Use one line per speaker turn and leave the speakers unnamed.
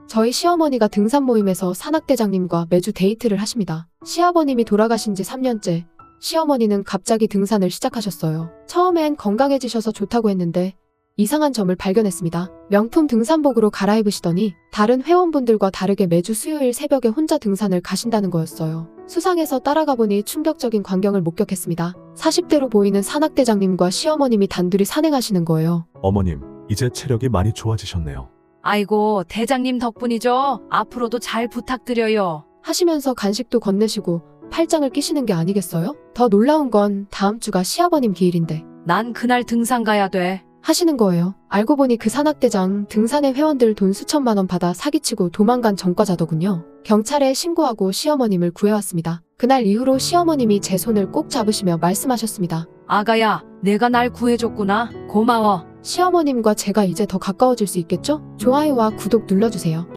저희 시어머니가 등산 모임에서 산악대장님과 매주 데이트를 하십니다. 시아버님이 돌아가신 지 3년째, 시어머니는 갑자기 등산을 시작하셨어요. 처음엔 건강해지셔서 좋다고 했는데 이상한 점을 발견했습니다. 명품 등산복으로 갈아입으시더니 다른 회원분들과 다르게 매주 수요일 새벽에 혼자 등산을 가신다는 거였어요. 수상해서 따라가 보니 충격적인 광경을 목격했습니다. 40대로 보이는 산악대장님과 시어머님이 단둘이 산행하시는 거예요.
어머님, 이제 체력이 많이 좋아지셨네요.
아이고, 대장님 덕분이죠. 앞으로도 잘 부탁드려요.
하시면서 간식도 건네시고 팔짱을 끼시는 게 아니겠어요? 더 놀라운 건 다음 주가 시아버님 기일인데
난 그날 등산 가야 돼.
하시는 거예요. 알고 보니 그 산악대장 등산회 회원들 돈 수천만 원 받아 사기치고 도망간 전과자더군요. 경찰에 신고하고 시어머님을 구해왔습니다. 그날 이후로 시어머님이 제 손을 꼭 잡으시며 말씀하셨습니다.
아가야, 내가 날 구해줬구나. 고마워.
시어머님과 제가 이제 더 가까워질 수 있겠죠? 좋아요와 구독 눌러주세요.